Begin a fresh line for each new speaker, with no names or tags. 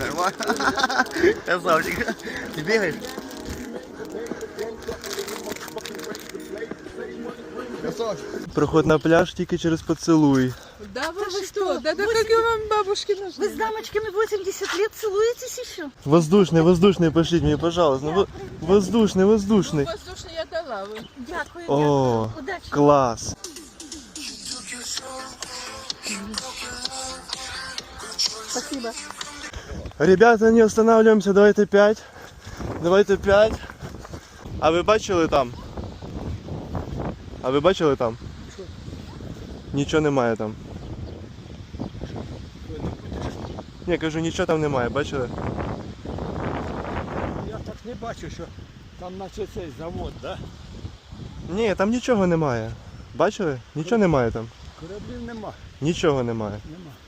Нормально. Красавчик. Ты бегаешь? Проход на пляж тільки через поцілуй.
Да вы что? Да какие вам бабушки нужны?
Вы с дамочками 80 лет целуетесь еще?
Воздушний, пошліть мені, пожалуйста. Ну, воздушний.
Воздушный я дала вы.
Дякую,
О,
дякую. Удачи.
клас.
Спасибо.
Ребята, не останавливаемся, давайте 5. Давайте 5. А ви бачили там? Нічого немає там. Ні, кажу, нічого там немає, бачили?
Я так не бачу, що там наче цей завод, да?
Ні, там нічого немає. Бачили? Нічого немає там.
Кораблів нема.
Нічого немає.
Нема.